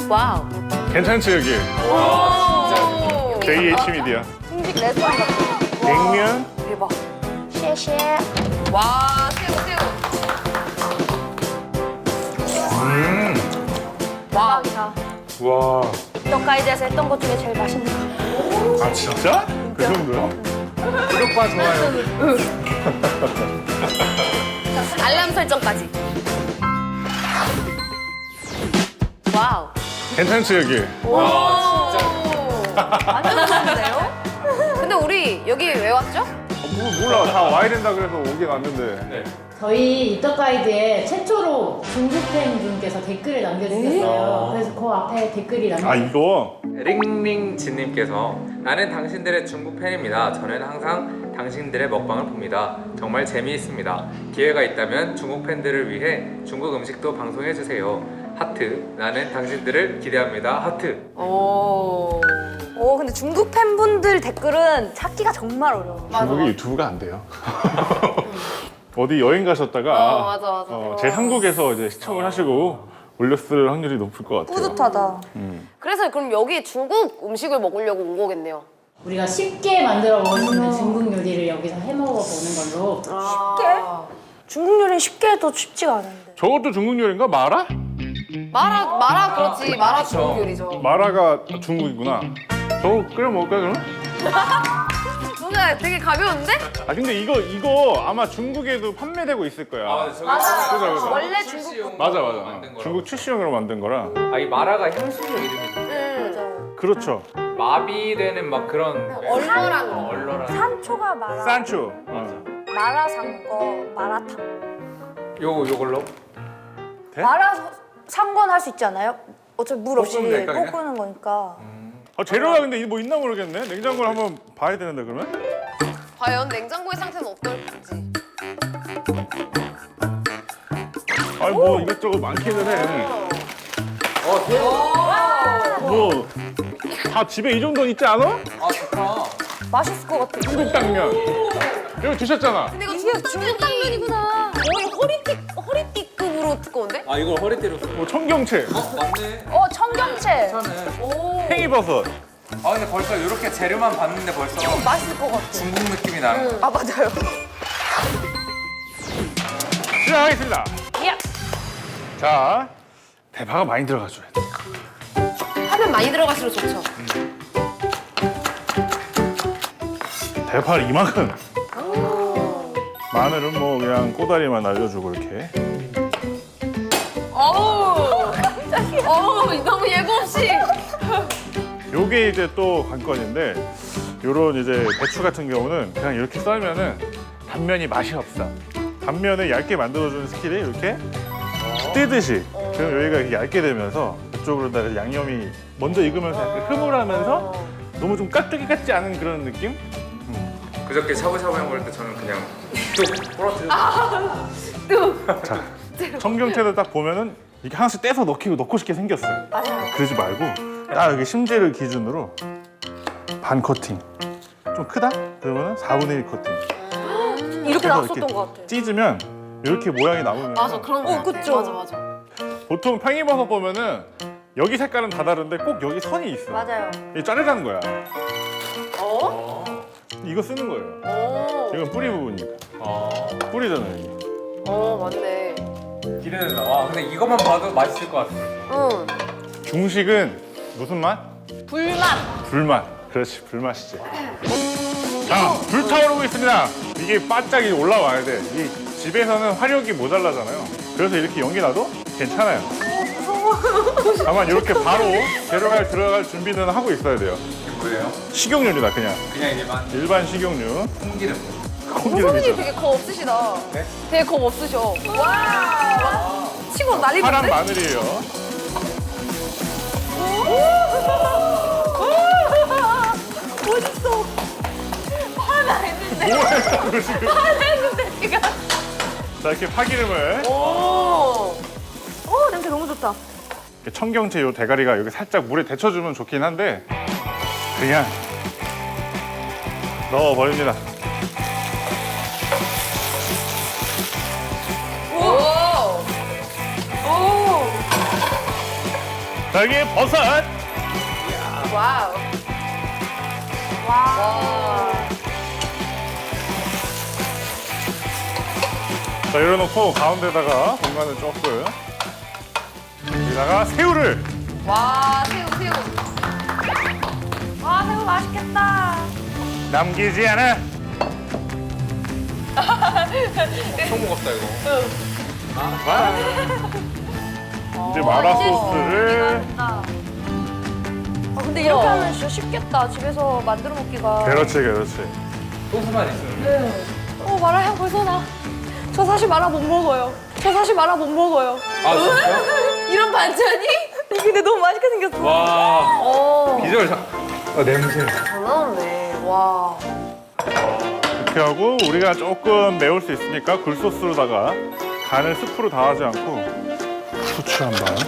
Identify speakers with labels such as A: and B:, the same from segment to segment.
A: 와우.
B: 괜찮지 여기? JH 미디어.
A: 중식 레스토랑 같은.
B: 냉면.
A: 대박. 쉐쉐. 와, 새우. 와.
B: 와.
A: 떡가이드에서 했던 것 중에 제일 맛있는 거.
B: 아 진짜? 그 정도야? 구독과 좋아요.
A: 알람 설정까지. 와우.
B: 괜찮지 여기?
A: 완전 좋은데요? 근데 우리 여기 왜 왔죠?
B: 몰라 다 와야 된다 그래서 오긴 왔는데.
C: 저희 이떡 가이드에 최초로 중국 팬분께서 댓글을 남겨주셨어요. 그래서 그 앞에 댓글이
B: 아
C: 남겨주셨어요.
B: 이거
D: 링링진님께서 나는 당신들의 중국 팬입니다. 저는 항상 당신들의 먹방을 봅니다. 정말 재미있습니다. 기회가 있다면 중국 팬들을 위해 중국 음식도 방송해주세요. 하트. 나는 당신들을 기대합니다. 하트.
A: 오, 근데 중국 팬분들 댓글은 찾기가 정말 어려워.
B: 중국이 유튜브가 안 돼요. 어디 여행 가셨다가
A: 맞아.
B: 제 한국에서 이제 시청을 하시고 올렸을 확률이 높을 것 같아요.
A: 뿌듯하다. 그래서 그럼 여기 중국 음식을 먹으려고 온 거겠네요.
C: 우리가 쉽게 만들어 먹을 수 있는 중국 요리를 여기서 해 먹어보는 걸로.
A: 쉽게? 중국 요리는 쉽게 해도 쉽지가 않은데.
B: 저것도 중국 요리인가? 마라?
A: 마라 그렇지. 마라 중국 요리죠.
B: 마라가 중국이구나. 저거 끓여 먹을까 그러면?
A: 뭔가 되게 가벼운데?
B: 아 근데 이거 아마 중국에도 판매되고 있을 거야. 그죠.
A: 원래 중국.
B: 맞아. 중국 출시용으로 만든 거라.
D: 아, 이 마라가 향신료 이름이죠.
B: 그렇죠.
D: 마비되는 막 그런
A: 얼얼한 거.
D: 얼얼한.
E: 산초가 마라,
B: 산초.
E: 마라 산거, 마라탕.
D: 요걸로?
B: 돼?
E: 마라 상건 할 수 있지 않아요? 어차피 물 없이
D: 볶으면 될까, 그냥?
E: 볶는 거니까.
B: 재료가 근데 뭐 있나 모르겠네. 냉장고를 한번 봐야 되는데 그러면?
A: 과연 냉장고의 상태는 어떨지.
B: 아니 뭐 이것저것 많기는 해. 뭐 다 집에 이 정도는 있지 않아?
D: 아, 좋다.
E: 맛있을 것 같아.
B: 중국 당면. 이거 드셨잖아.
A: 근데 이거 중국 당면이구나. 거의 허리띠급으로 두꺼운데?
D: 아, 이걸 허리띠로 써.
B: 뭐 청경채,
D: 맞네.
E: 청경채.
D: 괜찮네.
B: 팽이버섯.
D: 아, 근데 벌써 이렇게 재료만 봤는데 벌써
E: 맛있을 것 같아.
D: 중국 느낌이 나요.
E: 아, 맞아요.
B: 시작하겠습니다.
E: 야.
B: 자, 대파가 많이 들어가줘야 돼.
A: 하면 많이 들어갈수록 좋죠.
B: 대파를 이만큼. 마늘은 뭐 그냥 꼬다리만 날려주고 이렇게.
A: 어우, 너무 예고 없이.
B: 요게 이제 또 관건인데, 요런 이제 배추 같은 경우는 그냥 이렇게 썰면은 단면이 맛이 없어. 단면을 얇게 만들어주는 스킬이 이렇게 뜨듯이. 그럼 여기가 이렇게 얇게 되면서 이쪽으로다가 양념이 먼저 익으면서 약간 흐물하면서 너무 좀 깍두기 같지 않은 그런 느낌?
D: 그저께 샤브샤브 해 먹을 때 저는 그냥 뚝 부러뜨려.
B: 자, 청경채도 딱 보면은 이렇게 하나씩 떼서 넣고 싶게 생겼어요.
E: 맞아요.
B: 그러지 말고 딱 여기 심지를 기준으로 반 커팅. 좀 크다? 그러면 4분의 1 커팅.
A: 이렇게
B: 그래서
A: 나왔었던
B: 이렇게
A: 것 같아.
B: 찢으면 이렇게 모양이 남으면
A: 맞아, 그런 거.
E: 그쵸.
A: 맞아.
B: 보통 팽이버섯 보면은 여기 색깔은 다 다른데 꼭 여기 선이 있어.
E: 맞아요.
B: 이게 자르라는 거야.
A: 어?
B: 이거 쓰는 거예요.
A: 어.
B: 이건 뿌리 부분이니까. 뿌리잖아요. 여기.
A: 맞네.
D: 기대된다. 와, 근데 이것만 봐도 맛있을 것 같아.
A: 응.
B: 중식은 무슨 맛?
A: 불맛.
B: 불맛. 그렇지, 불맛이지. 자, 불타오르고 있습니다. 이게 바짝이 올라와야 돼. 이 집에서는 화력이 모자라잖아요. 그래서 이렇게 연기 나도 괜찮아요. 다만 이렇게 바로 재료가 들어갈 준비는 하고 있어야 돼요.
D: 이게 뭐예요?
B: 식용유입니다, 그냥.
D: 그냥 일반
B: 일반 식용유.
D: 콩기름.
A: 선생님
B: 콩기름이죠.
A: 되게 겁 없으시다.
D: 네?
A: 되게 겁 없으셔. 와. 치고 난리
B: 파란
A: 났네.
B: 마늘이에요.
A: 멋있어. 화나 했는데.
B: 뭐예요, 지금?
A: 화나 했는데 지금.
B: 자, 이렇게 파기름을.
E: 냄새 너무 좋다.
B: 청경채 요 대가리가 여기 살짝 물에 데쳐주면 좋긴 한데 그냥 넣어버립니다.
A: 오.
B: 자, 여기 버섯.
E: 와우. 와.
B: 자, 열어놓고 가운데다가 공간을 조금. 여기다가 새우를.
E: 와, 새우. 와, 새우 맛있겠다.
B: 남기지 않아.
D: 엄청 무겁다 이거.
B: 이제 마라 소스를.
E: 아, 근데 이렇게 하면 진짜 쉽겠다. 집에서 만들어 먹기가.
B: 그렇지.
D: 소스만 있으면.
E: 마라 향 벌써 나. 저 사실 마라 못 먹어요.
D: 아 진짜?
E: 이런 반찬이? 근데 너무 맛있게 생겼어.
D: 와. 비주얼 냄새.
E: 잘 나왔네. 와.
B: 이렇게 하고 우리가 조금 매울 수 있으니까 굴소스로다가 간을 스프로 다 하지 않고 후추 한 방.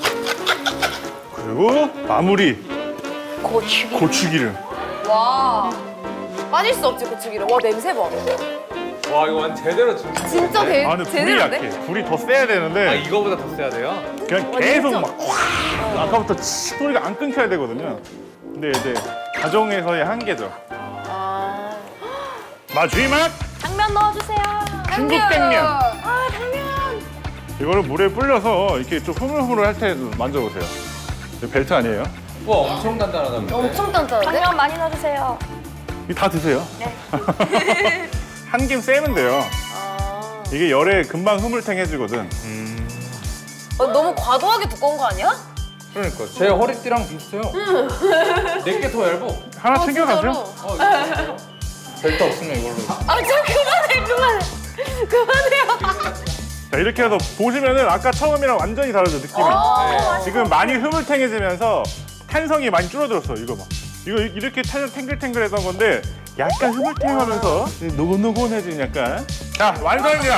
B: 그리고 마무리
E: 고추기.
B: 고추기름.
E: 와. 빠질 수 없지, 고추기름. 와, 냄새 봐.
D: 와 이거 완전 제대로 중식.
E: 진짜
B: 아 근데 불이
E: 제대로인데?
B: 약해. 불이 더 세야 되는데
D: 이거보다 더 세야 돼요?
B: 그냥 계속 막 아까부터 소리가 안 끊겨야 되거든요. 근데 이제 가정에서의 한계죠.
E: 아.
B: 마지막
E: 당면 넣어주세요.
B: 중국 당면.
E: 아, 당면.
B: 이거를 물에 불려서 이렇게 좀 흐물흐물 할 때 만져보세요. 이거 벨트 아니에요?
D: 와 엄청 단단하다.
E: 엄청 단단한데? 당면 많이 넣어주세요.
B: 이거 다 드세요. 네. 한 김 쐬면 돼요. 이게 열에 금방 흐물탱해지거든.
E: 너무 과도하게 두꺼운 거 아니야?
D: 그러니까 제 허리띠랑 비슷해요. 내게 더 얇어.
B: 하나 챙겨가세요.
E: 진짜로?
D: 벨트 없으면 이걸로.
E: 아, 좀 그만해. 그만해요.
B: 자, 이렇게 해서 보시면은 아까 처음이랑 완전히 다르죠, 느낌이. 지금 많이 흐물탱해지면서 탄성이 많이 줄어들었어, 이거 봐. 이거 이렇게 탱글탱글했던 건데 약간 흐물탱하면서 노곤노곤해진 약간. 자, 완성입니다.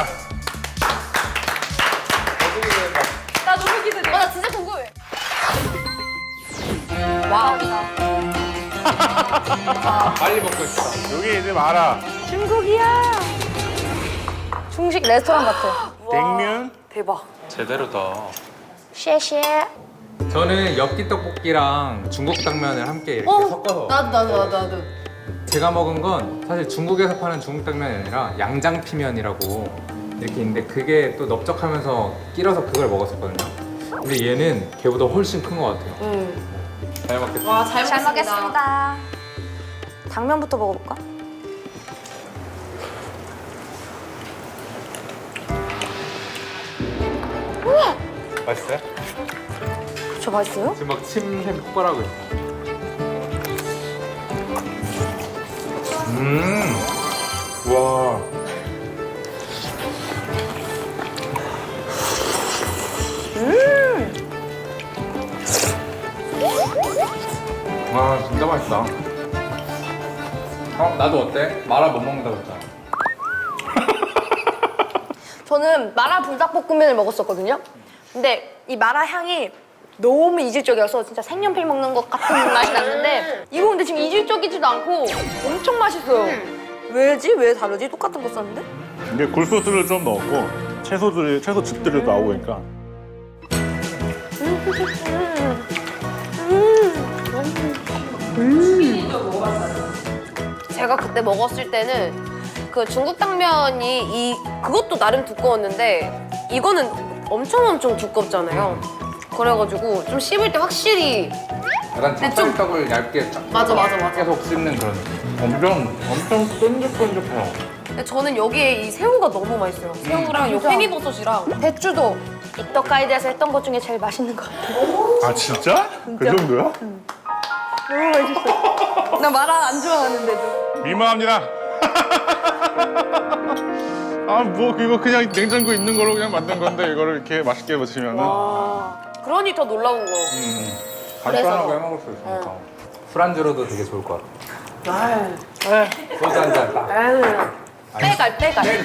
E: 나 너무 기대돼. 나 진짜 궁금해. 와우.
D: 빨리 먹고 싶다.
B: 여기 이제 마라,
E: 중국이야. 중식 레스토랑 같아.
B: 냉면.
E: 대박.
D: 제대로다.
E: 쉐쉐.
D: 저는 엽기 떡볶이랑 중국 당면을 함께 이렇게 섞어서.
C: 나도.
D: 제가 먹은 건 사실 중국에서 파는 중국 당면이 아니라 양장피면이라고 이렇게 있는데 그게 또 넓적하면서 끼려서 그걸 먹었었거든요. 근데 얘는 걔보다 훨씬 큰 것 같아요. 잘 먹겠다.
C: 와, 잘
E: 잘
C: 먹겠습니다.
E: 먹겠습니다. 당면부터 먹어볼까?
D: 맛있어요?
E: 저 맛있어요?
D: 지금 막 침샘 폭발하고 있어. 와. 와 진짜 맛있다. 나도 어때? 마라 못 먹는다고 했잖아.
E: 저는 마라 불닭볶음면을 먹었었거든요. 근데 이 마라 향이 너무 이질적이어서 진짜 색연필 먹는 것 같은 맛이 났는데 이거 근데 지금 이질적이지도 않고 엄청 맛있어요. 왜지? 왜 다르지? 똑같은 거 썼는데?
B: 이게 굴소스를 좀 넣었고 채소즙들이 나오니까.
F: 제가 그때 먹었을 때는 그 중국 당면이 그것도 나름 두꺼웠는데 이거는 엄청 두껍잖아요. 그래가지고 좀 씹을 때 확실히
D: 약간 찹쌀떡을 얇게
F: 맞아.
D: 계속 씹는 그런 느낌. 엄청 쫀득쫀득해요.
F: 근데 저는 여기에 이 새우가 너무 맛있어요. 새우랑 요 팽이버섯이랑
E: 배추도 이떡 가이드에서 했던 것 중에 제일 맛있는 것 같아요.
B: 아 진짜? 그 정도야?
E: 너무 맛있어. 나 마라 안 좋아하는데도.
B: 민망합니다. 아 뭐 이거 그냥 냉장고에 있는 거로 그냥 만든 건데 이거를 이렇게 맛있게 드시면은
F: 그러니 더 놀라운 거.
D: 간단하게 해 먹을 수 있으니까. 술안주로도 되게 좋을 것 같아. 소주 한잔 딱.
F: 빼갈.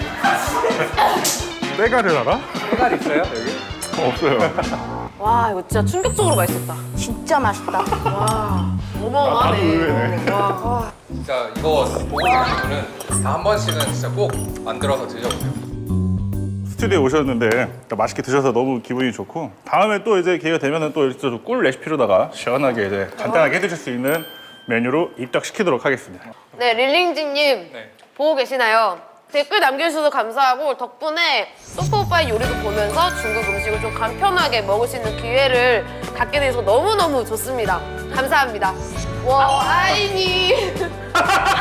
B: 때가를 알아?
D: 색깔 있어요 여기?
B: 없어요.
F: 와 이거 진짜 충격적으로 맛있었다.
E: 진짜 맛있다.
B: 나도
F: 어마어마하네.
B: 의외네.
D: 진짜 이거 보고 계신 분은 다 한 번씩은 진짜 꼭 만들어서 드셔보세요.
B: 스튜디오에 오셨는데 맛있게 드셔서 너무 기분이 좋고 다음에 또 이제 기회가 되면은 또 이렇게 꿀 레시피로다가 시원하게 이제 간단하게 해드실 수 있는 메뉴로 입덕시키도록 하겠습니다.
F: 네, 릴링지님 보고 계시나요? 댓글 남겨주셔서 감사하고 덕분에 소프 오빠의 요리도 보면서 중국 음식을 좀 간편하게 먹을 수 있는 기회를 갖게 돼서 너무너무 좋습니다. 감사합니다. 와, 아이니.